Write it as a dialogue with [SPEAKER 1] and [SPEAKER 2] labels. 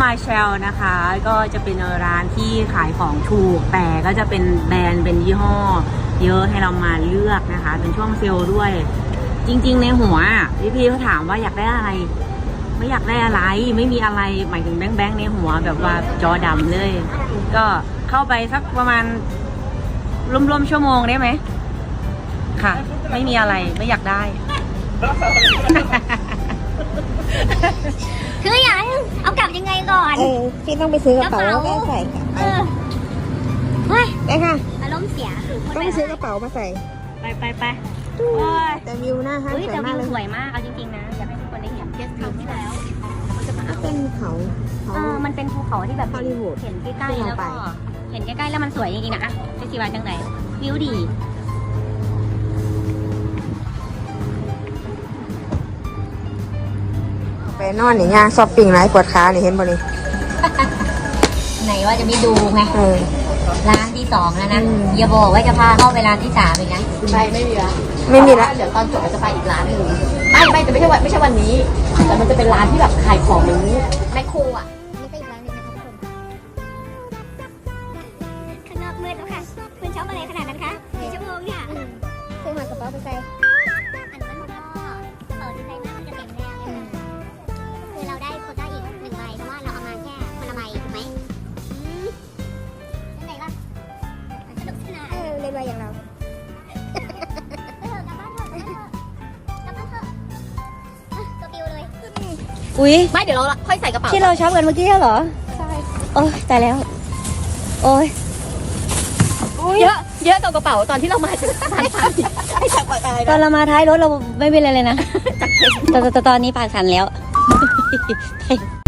[SPEAKER 1] มาเชลนะคะ ก็จะเป็นร้านที่ขายของถูกแต่ก็จะเป็นแบรนด์เป็นยี่ห้อเยอะให้เรามาเลือกนะคะเป็นช่วงเซลล์ด้วยจริงๆในหัวพี่เขาถามว่าอยากได้อะไรไม่อยากได้อะไรไม่มีอะไรหมายถึงแบงค์ในหัวแบบว่าจอดำเลยก็เข้าไปสักประมาณร่วมๆชั่วโมงได้ไหมค่ะไม่มีอะไรไม่อยากได้
[SPEAKER 2] คือยังเอากลับยังไงก่อน
[SPEAKER 3] พี่ต้องไปซื้อกระเป๋าแล้วก็ใส่กลับไป
[SPEAKER 2] เฮ้ย
[SPEAKER 3] ได้ค่ะ
[SPEAKER 2] อารมณ์เสียคือพูด
[SPEAKER 3] ต้องไปซื้อกระเป๋ามาใส่
[SPEAKER 1] ไปโอ้ย
[SPEAKER 3] แต่วิวหน้าห้าง
[SPEAKER 2] เฮ้ย
[SPEAKER 3] สวย
[SPEAKER 2] แต่
[SPEAKER 3] มา
[SPEAKER 2] วิ
[SPEAKER 3] ก
[SPEAKER 2] ว
[SPEAKER 3] เลย
[SPEAKER 2] สวยมากเอาจริงๆนะอยากให้ทุกคนได้เห็นเทสคราวที่แล้ว
[SPEAKER 3] ก็เป็นเขา
[SPEAKER 2] มันเป็นภูเขาที่แบบ
[SPEAKER 3] ฮอลลีวูด
[SPEAKER 2] เห็นใกล้ๆแล้วก็เห็นใกล้ๆแล้วมันสวยจริงๆนะเฟสติวัลจังไหนวิวดี
[SPEAKER 3] ไปนอนอย่างเงี้ยช้อปปิ้งไรปวดขานี่เห็นบ่นี่
[SPEAKER 2] ไหนว่าจะไม่ดูไง
[SPEAKER 3] เออ
[SPEAKER 2] ร้านที่2แล้วนะอย่าบอกว่าจะพาเข้าไปร้านที่3อีกนะ
[SPEAKER 4] ไปไม่มีละ
[SPEAKER 3] ไม่มีละ
[SPEAKER 4] เดี๋ยวตอนจบเราจะไปอีกร้านหนึ่งไม่แต่ไม่ใช่วันนี้ แต่มันจะเป็นร้านที่แบบขายของเหมือนแมคโครอ่ะ
[SPEAKER 2] นี่ก็อีกร้านหนึงนะคะทุกคนข้างนอกมืดแล้วค่ะคุณชอบอะไรขนาดนั้นคะ4 ชั่วโมงเนี่ย
[SPEAKER 3] ซื้อมากระเป๋าไปใส่
[SPEAKER 2] อันนั้นมันก็เปิดดีไซน์หน้ามันจะเต็มแล้วคือเราได้โควต้าอีก1 ใบเพราะว่าเราเอามาแค่คนละใบถูกไหมนั่นไหนล่ะสนุกสนาน
[SPEAKER 3] เล่นไว้อย่างเรา
[SPEAKER 2] กลับบ้านเถอะกลับบ้านเถอะตัวปิวเลย
[SPEAKER 1] อุ๊ย
[SPEAKER 4] ไม่เดี๋ยวเราค่อยใส่กระเป๋า
[SPEAKER 1] ที่เราช็อปกันเมื่อกี้เหรอใช่โอ้ยตายแล้วโอ้ย
[SPEAKER 4] เยอะกับกระเป๋าตอนที่เรามาจากร้านไม่จากอะไร
[SPEAKER 1] ตอน
[SPEAKER 4] นะ
[SPEAKER 1] เรามาท้ายรถเราไม่เป็นอะไรเลยนะแต่ตอนนี้ปากสั่นแล้ว